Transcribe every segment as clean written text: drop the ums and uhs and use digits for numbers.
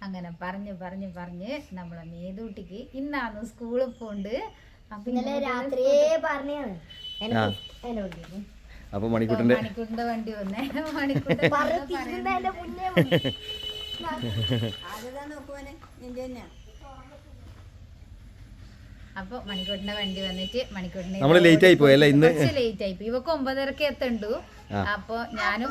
അങ്ങനെ പറഞ്ഞ് നമ്മളെ മേതൂട്ടിക്ക് ഇന്നാണ് സ്കൂളിൽ പോണ്ട്. അപ്പൊ മണിക്കൂട്ടിന്റെ വണ്ടി വന്നേ. അപ്പൊ മണിക്കൂട്ടിന്റെ വണ്ടി വന്നിട്ട് മണിക്കൂട്ടിന് നമ്മള് ലേറ്റ് ആയി പോയല്ലേ ഇന്ന്. ലേറ്റ് ആയി പോയി. ഇവക്ക് 9:30 എത്തണ്ടു. അപ്പൊ ഞാനും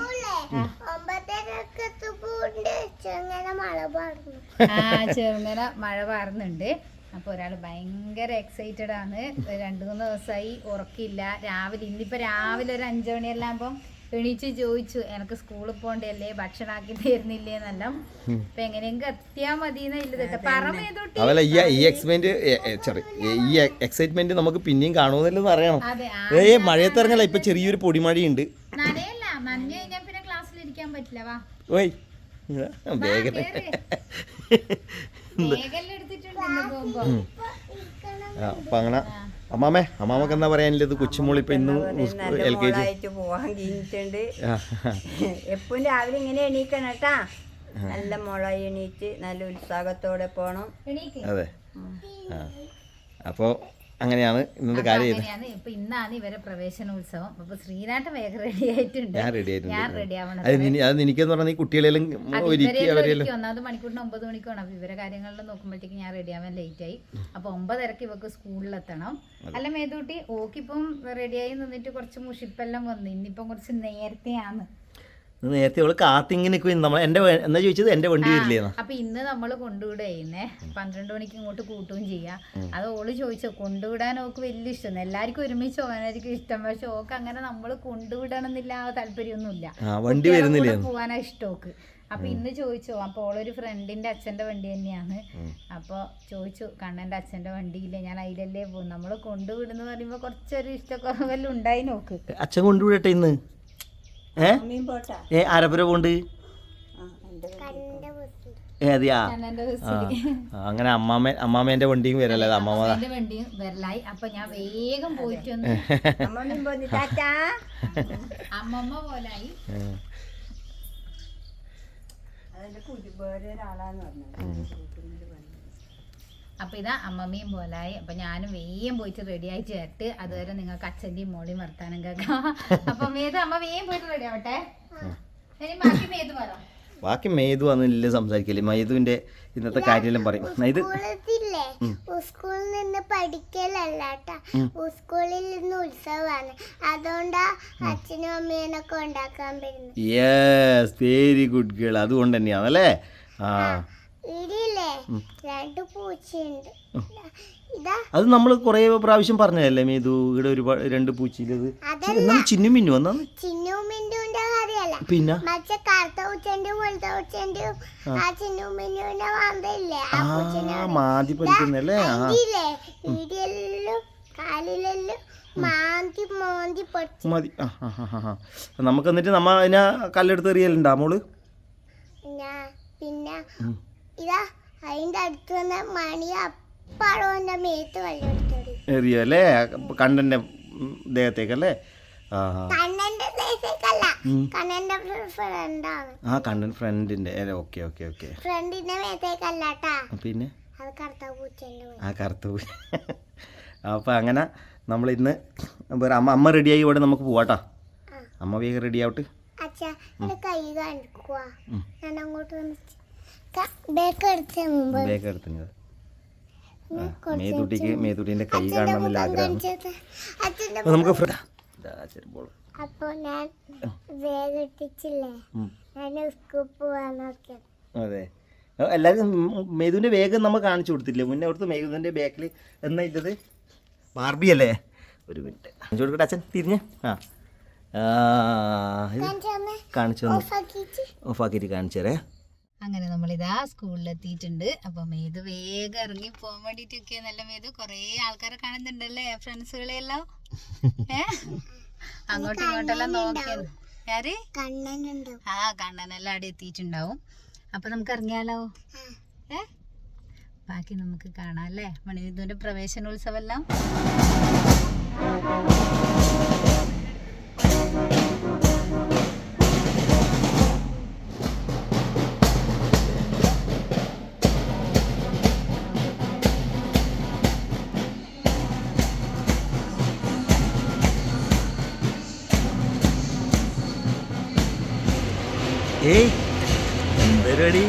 ചെറുങ്ങനെ മഴ പാറുന്നുണ്ട്. അപ്പൊ ഒരാള് ഭയങ്കര എക്സൈറ്റഡ് ആണ്. 2-3 ദിവസമായി ഉറക്കില്ല. ഇന്നിപ്പോ രാവിലെ ഒരു 5 മണിയെല്ലാം ആകുമ്പോ എണീച്ച് ചോദിച്ചു, എനിക്ക് സ്കൂളിൽ പോണ്ടല്ലേ, ഭക്ഷണാക്കി തരുന്നില്ലേ എന്നെല്ലാം. അപ്പൊ എങ്ങനെയെങ്കിലും എത്തിയാ മതി. അതല്ല ഈ എക്സൈറ്റ്മെന്റ് നമുക്ക് പിന്നെയും കാണുമെന്നല്ലോ അറിയണം. മഴയത്ത് ഇറങ്ങല. ഇപ്പൊ ചെറിയൊരു പൊടിമഴയുണ്ട്. നനയല്ല, നനഞ്ഞു കഴിഞ്ഞാൽ പിന്നെ ക്ലാസ്സിൽ ഇരിക്കാൻ പറ്റില്ല. വാ ഓയ് വേഗം അപ്പൊ അങ്ങനെ അമ്മാമക്ക് എന്താ പറയാനില്ലത്? കൊച്ചുമോളി ഇപ്പൊ ഇന്ന് LKG പോവാൻ കഴിഞ്ഞിട്ടുണ്ട്. എപ്പോഴും രാവിലെ ഇങ്ങനെ എണീക്കണം കേട്ടാ. നല്ല മുളായി എണീറ്റ് നല്ല ഉത്സാഹത്തോടെ പോണം. അതെ. അപ്പോ അങ്ങനെയാണ് ഇന്നത്തെ കാര്യം. ഇപ്പൊ ഇന്നാണ് ഇവരെ പ്രവേശനോത്സവം. അപ്പൊ ശ്രീനാട്ടൻ വേഗം റെഡി ആയിട്ടുണ്ട്. ഞാൻ റെഡി ആവണം. അത് എനിക്കെന്ന് പറഞ്ഞാൽ ഈ കുട്ടികളെല്ലാം ഒന്നാമത് മണിക്കൂറിന് 9 മണിക്കാണ്. അപ്പൊ ഇവരെ കാര്യങ്ങളിൽ നോക്കുമ്പോഴത്തേക്ക് ഞാൻ റെഡി ആവാൻ ലേറ്റ് ആയി. അപ്പൊ 9:30 ഇവക്ക് സ്കൂളിലെത്തണം. അല്ല മേതൂട്ടി, ഓക്കിപ്പം റെഡിയായി നിന്നിട്ട് കുറച്ച് മുഷിപ്പെല്ലാം വന്നു. ഇന്നിപ്പം കുറച്ച് നേരത്തെയാണ്. നേരത്തെ അവള് കാത്തിങ്ങനെ എന്താ ചോദിച്ചത്? എന്റെ വണ്ടി വരില്ലേ? അപ്പൊ ഇന്ന് നമ്മള് കൊണ്ടുവിടുന്നേ 12 മണിക്ക് ഇങ്ങോട്ട് കൂട്ടുകയും ചെയ്യാം. അത് ഓള് ചോദിച്ചോ, കൊണ്ടുവിടാൻ ഓക്ക് വലിയ ഇഷ്ടം. എല്ലാവർക്കും ഒരുമിച്ച് പോകാനായിരിക്കും ഇഷ്ടം. പക്ഷെ ഓക്ക് അങ്ങനെ നമ്മള് കൊണ്ടുവിടണം എന്നില്ല താല്പര്യമൊന്നുമില്ല. വണ്ടി വരുന്നില്ല, പോവാനാ ഇഷ്ടം ഓക്ക്. അപ്പൊ ഇന്ന് ചോദിച്ചോ. അപ്പൊ ഓളൊരു ഫ്രണ്ടിന്റെ അച്ഛന്റെ വണ്ടി തന്നെയാണ്. അപ്പൊ ചോദിച്ചു, കണ്ണന്റെ അച്ഛന്റെ വണ്ടിയില്ലേ, ഞാൻ അതിലല്ലേ പോകും. നമ്മള് കൊണ്ടുവിടുന്ന പറയുമ്പോ കുറച്ചൊരു ഇഷ്ടക്കുറവെല്ലാം ഉണ്ടായി നോക്ക്. അച്ഛൻ കൊണ്ടുവിടട്ടെ ഇന്ന്. ആരപ്പുര പോണ്ട്? അതെയാ. അങ്ങനെ അമ്മാമേന്റെ വണ്ടിയും വരല്ലേ? അമ്മാമന്റെ വണ്ടിയും വരലായി. അപ്പൊ ഞാൻ വേഗം പോയിട്ട് അമ്മമ്മ പോലായി. അപ്പൊ ഇതാ അമ്മമ്മയും പോലായി. അപ്പൊ ഞാനും വേഗം പോയിട്ട് റെഡി ആയി ചേർത്ത്. അതുവരെ നിങ്ങൾക്ക് അച്ഛന്റെയും മോളിയും വർത്താനം കേൾക്കാം. അപ്പൊ മേതു അമ്മ വേഗം പോയിട്ട് റെഡി ആവട്ടെ. ബാക്കി മേതു പറ. ബാക്കി മേതു അന്നില്ല സംസാരിക്കല്ലേ. മൈതുവിന്റെ ഇന്നത്തെ കാര്യമെല്ലാം പറയും. സ്കൂളിൽ നിന്ന് പഠിക്കലല്ലാട്ടാ, സ്കൂളിൽ നിന്ന് ഉത്സവമാണ്. അതുകൊണ്ടാ അച്ഛനും അമ്മേനൊക്കെ ഉണ്ടാക്കാൻ പറ്റുന്നത്. Yes, very good girl. അതുകൊണ്ട് തന്നെയാണല്ലേ. ഇടിയില്ലേ 2 പൂച്ചയുണ്ട്. അത് നമ്മൾ കൊറേ പ്രാവശ്യം പറഞ്ഞതല്ലേ മേതു? ഇവിടെ ഒരുപാട് 2 പൂച്ചയിലത് ചിന്നും മിന്നു വന്നാണ്. ചിന്നും മിന്നുവിന്റെ കാര്യമല്ല, പിന്നെ മറ്റേ കറുത്ത പൂച്ചന്റെ വെളുത്ത പൂച്ചന്റെ ആ ചിന്നും മിന്നുവിന്റെ മാന്തല്ലേ മാതി പഠിക്കുന്നല്ലേ. ഇടിയെല്ലാം കാലിലെല്ലാം മാന്തി മാന്തി പഠിച്ചു മതി. നമുക്ക് എന്നിട്ട് നമ്മ അതിനെ കല്ലെടുത്ത് എറിയലുണ്ടാ മോള്? പിന്നെ ഇതാ അതിന്റെ അടുത്ത് വന്ന മണി അപ്പാടോന്റെ മേത്ത് കല്ലെടുത്തു എറിയല്ലേ? കണ്ണന്റെ ദേഹത്തേക്കല്ലേ? കണ്ണന്റെ ദേഹത്തേക്കല്ല, കണ്ണന്റെ ഫ്രണ്ടാണ്. കണ്ണൻ ഫ്രണ്ടിന്റെ. Okay okay okay. ഫ്രണ്ടിന്റെ മേത്തേക്കല്ലാട്ടാ. പിന്നെ അത് കറുത്ത പൂച്ചന്റെ. കറുത്ത പൂച്ച. അപ്പൊ അങ്ങനെ നമ്മൾ ഇന്ന് അമ്മ റെഡിയായി ഇവിടെ നമുക്ക് പോവാട്ടാ. അമ്മ വേഗം റെഡി ആവട്ടെ. അച്ഛാ കൈ കാണിക്കുവാ. ഞാൻ അങ്ങോട്ട് മേതുട്ടിന്റെ കൈ കാണണമെന്നുള്ള ആഗ്രഹം നമുക്ക്. അപ്പൊ ഞാൻ വേഗിട്ടിച്ചില്ലേ, ഞാൻ സ്കൂളിൽ പോവാൻ നോക്കിയത്. അതെ, എല്ലാവരും മേതുവിന്റെ വേഗം നമ്മൾ കാണിച്ചു കൊടുത്തില്ലേ മുന്നേ? അവിടുത്തെ മേതുവിന്റെ ബാക്കിൽ എന്നാ ഇല്ലത് ബാർബി അല്ലേ? ഒരു മിനിറ്റ് കാണിച്ചു കൊടുക്കട്ടെ അച്ഛൻ തിരിഞ്ഞ്. കാണിച്ചു ഓഫാക്കിയിട്ട് കാണിച്ചു തരേ. അങ്ങനെ നമ്മളിതാ സ്കൂളിലെത്തിയിട്ടുണ്ട്. അപ്പൊ മേതു വേഗം ഇറങ്ങി പോകാൻ വേണ്ടിട്ടൊക്കെ. നല്ല മേതു കൊറേ ആൾക്കാരെ കാണുന്നുണ്ടല്ലേ, ഫ്രണ്ട്സുകളെല്ലാം. അങ്ങോട്ടും ഇങ്ങോട്ടെല്ലാം നോക്കിയത്. ആര്? കണ്ണനെല്ലാം അവിടെ എത്തിയിട്ടുണ്ടാവും. അപ്പൊ നമുക്ക് ഇറങ്ങിയാലോ? ബാക്കി നമുക്ക് കാണാം അല്ലേ, മണിവിധുവിന്റെ പ്രവേശനോത്സവം എല്ലാം. ഏയ് എന്തരടി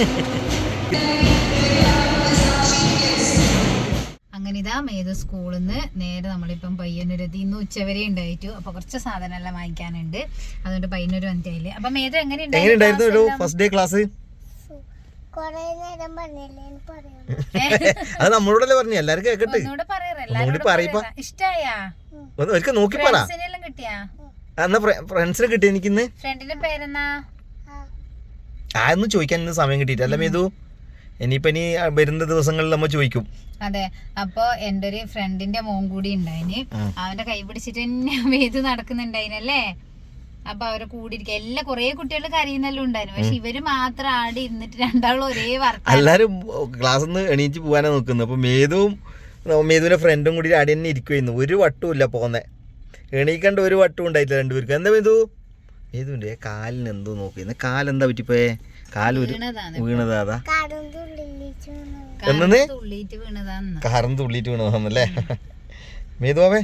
അങ്ങനെ ഇതാ മേത് സ്കൂളിൽ നിന്ന് നേരെ നമ്മളിപ്പം പയ്യന്നൂരെത്തി. ഇന്ന് ഉച്ചവരെ ഉണ്ടായിട്ടു. അപ്പൊ കുറച്ച് സാധനം എല്ലാം വാങ്ങിക്കാനുണ്ട്. അതുകൊണ്ട് പയ്യന്നൂർ വന്നിട്ടായില്ലേ. അപ്പൊ മേത് എങ്ങനെയുണ്ടായിരുന്നു ഒരു ഫസ്റ്റ് ഡേ ക്ലാസ്? കൊറേ നേരം പറഞ്ഞില്ലേ പറയാം. അത് നമ്മളോടല്ലേ പറഞ്ഞു, എല്ലാരും കേക്കട്ടെ. ഇഷ്ടായാ? ഒരിക്കൽ നോക്കി പറ. കിട്ടിയാ? എന്നാ ഫ്രണ്ട്സിനെ കിട്ടി എനിക്കിന്ന്. ഫ്രണ്ടിന്റെ പേരെന്നാ? ആയൊന്നും ചോദിക്കാൻ ഇന്ന് സമയം കിട്ടിയിട്ടല്ല മേതു. ഇനിയിപ്പോ ഇനി വരുന്ന ദിവസങ്ങളിൽ നമ്മ ചോദിക്കും. അതെ. അപ്പൊ എന്റെ ഒരു ഫ്രണ്ടിന്റെ മോൻ കൂടി ഉണ്ടായിന്. അവന്റെ കൈ പിടിച്ചിട്ട് തന്നെ മേതു നടക്കുന്നുണ്ടായിനല്ലേ. അപ്പൊ അവരെ കൂടി ഇരിക്കുക. എല്ലാ കൊറേ കുട്ടികൾ കരയുന്നെല്ലാം ഉണ്ടായിരുന്നു. പക്ഷെ ഇവര് മാത്രം ആടി ഇരുന്നിട്ട് രണ്ടാളും ഒരേ വർത്താനം. എല്ലാരും ക്ലാസ്സിൽ നിന്ന് എണീച്ച് പോകാനാ നോക്കുന്നത്. അപ്പൊ മേതുവിന്റെ ഫ്രണ്ടും കൂടി ആടി തന്നെ ഇരിക്കുമായിരുന്നു. ഒരു വട്ടവും ഇല്ല പോന്നെ. എണീക്കണ്ട ഒരു വട്ടവും ഉണ്ടായിട്ടില്ല രണ്ടുപേർക്ക്. എന്താ മേതുവിന്റെ കാലിന് എന്തോ നോക്കിയിരുന്നു. കാലെന്താ പറ്റിപ്പോയേ? കാല് ഒരു വീണതാ. അതാ എന്നെ കാറിന് തുള്ളിയിട്ട് വീണതാന്നല്ലേ മേതുവാവേ?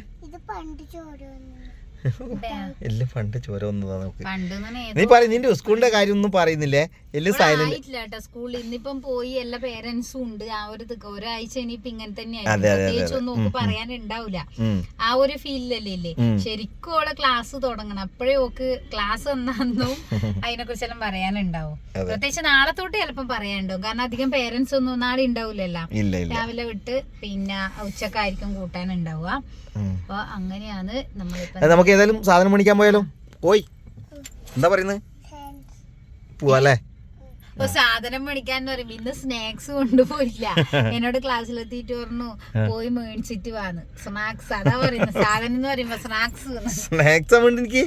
എല്ലാം പണ്ട് ചോര വന്നതാ. നമുക്ക് നീ പറയും നിന്റെ സ്കൂളിന്റെ കാര്യം ഒന്നും പറയുന്നില്ലേ? എല്ലാം സൈലന്റ്. സ്കൂളിൽ ഇന്നിപ്പം പോയി എല്ലാ പേരൻസും ഉണ്ട്. ആ ഒരു ഒരാഴ്ച ഇനിയിപ്പൊ ഇങ്ങനെ തന്നെയായിരിക്കും. ഒന്നും പറയാനുണ്ടാവില്ല. ആ ഒരു ഫീലിലല്ലേ ഇല്ലേ. ശരിക്കും ഓളെ ക്ലാസ് തുടങ്ങണം. അപ്പോഴേ ഓക്ക് ക്ലാസ് വന്നു അതിനെ കുറിച്ചെല്ലാം പറയാനുണ്ടാവും. പ്രത്യേകിച്ച് നാളെ തൊട്ട് ചിലപ്പം പറയാനുണ്ടാവും. കാരണം അധികം പേരൻസ് ഒന്നും നാളെ ഉണ്ടാവില്ലല്ലോ. രാവിലെ വിട്ട് പിന്നെ ഉച്ചക്കായിരിക്കും കൂട്ടാനുണ്ടാവുക. അപ്പൊ അങ്ങനെയാണ് നമ്മളിപ്പോ. നമുക്ക് ഏതായാലും സാധനം മേടിക്കാൻ പോയാലോ? പോയി എന്താ പറയുന്നത്? പോവാല്ലേ? അപ്പൊ സാധനം മേടിക്കാന്ന് പറയുമ്പോ ഇന്ന് സ്നാക്സ് കൊണ്ടുപോയില്ല. എന്നോട് ക്ലാസ്സിലെത്തിയിട്ട് പറഞ്ഞു പോയി മേടിച്ചിട്ട് വാന്ന്. സ്നാക്സ് അതാ പറയുന്നത്. സാധനം എന്ന് പറയുമ്പോ സ്നാക്സ് വേണ്ട എനിക്ക്.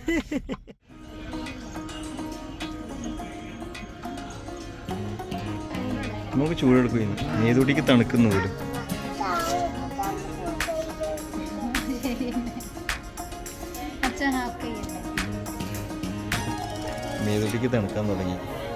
നമുക്ക് ചൂടെടുക്കും. മേതൂട്ടിക്ക് തണുക്കുന്നു പോലും. മേതൂട്ടിക്ക് തണുക്കാൻ തുടങ്ങി.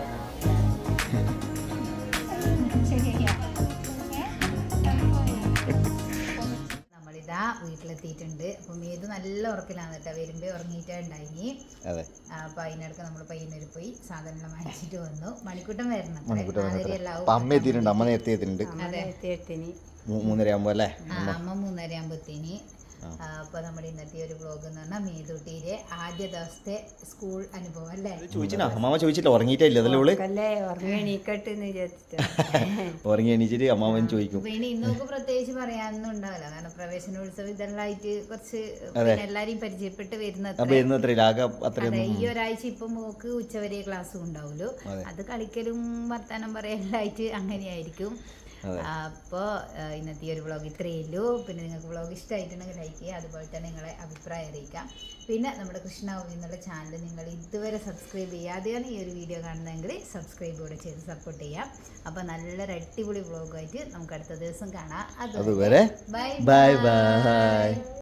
നമ്മളിതാ വീട്ടിലെത്തിയിട്ടുണ്ട്. അപ്പൊ മേതു നല്ല ഉറക്കിലാണ് കേട്ടോ. വരുമ്പോ ഉറങ്ങിയിട്ടാ ഉണ്ടായിനി. അപ്പൊ അതിനിടക്ക് നമ്മള് പയ്യന്നൂര് പോയി സാധനം വാങ്ങിച്ചിട്ട് വന്നു. മണിക്കൂട്ടം വരണം. അമ്മ എത്തിയിട്ടുണ്ട്. അമ്മ നേരത്തെ എത്തിയിട്ടുണ്ട്. 3:30 ആകുമ്പോ അല്ലേ? അമ്മ 3:30 ആകുമ്പോ എത്തിനി. അപ്പൊ നമ്മുടെ ഇന്നത്തെ ഒരു വ്ലോഗ് എന്ന് പറഞ്ഞാൽ മേതൂട്ടിയുടെ ആദ്യ ദിവസത്തെ സ്കൂൾ അനുഭവം അല്ലേ. അമ്മാമ ചോദിച്ചില്ല, ഉറങ്ങിയിട്ടില്ല. ഉറങ്ങി എണീച്ചിട്ട് അമ്മാവൻ ചോദിക്കും. പിന്നെ ഇന്നൊക്കെ പ്രത്യേകിച്ച് പറയാനൊന്നും ഉണ്ടാവില്ല. കാരണം പ്രവേശനോത്സവം ഇതെല്ലാം ആയിട്ട് കുറച്ച് എല്ലാരെയും പരിചയപ്പെട്ട് വരുന്ന ഈ ഒരാഴ്ച ഇപ്പൊ മോക്ക് ഉച്ചവരെ ക്ലാസ്സും ഉണ്ടാവുമല്ലോ. അത് കളിക്കലും വർത്താനം പറയലും ആയിട്ട് അങ്ങനെയായിരിക്കും. അപ്പോൾ ഇന്നത്തെ ഒരു വ്ളോഗ് ഇത്രയേ ഉള്ളൂ. പിന്നെ നിങ്ങൾക്ക് വ്ളോഗ് ഇഷ്ടമായിട്ടുണ്ടെങ്കിൽ ലൈക്ക് ചെയ്യുക. അതുപോലെ തന്നെ നിങ്ങളെ അഭിപ്രായം അറിയിക്കാം. പിന്നെ നമ്മുടെ കൃഷ്ണാവി എന്നുള്ള ചാനൽ നിങ്ങൾ ഇതുവരെ സബ്സ്ക്രൈബ് ചെയ്യാതെയാണ് ഈ ഒരു വീഡിയോ കാണുന്നതെങ്കിൽ സബ്സ്ക്രൈബ് കൂടെ ചെയ്ത് സപ്പോർട്ട് ചെയ്യാം. അപ്പോൾ നല്ലൊരു അടിപൊളി വ്ളോഗായിട്ട് നമുക്ക് അടുത്ത ദിവസം കാണാം. അതുവരെ ബൈ ബൈ.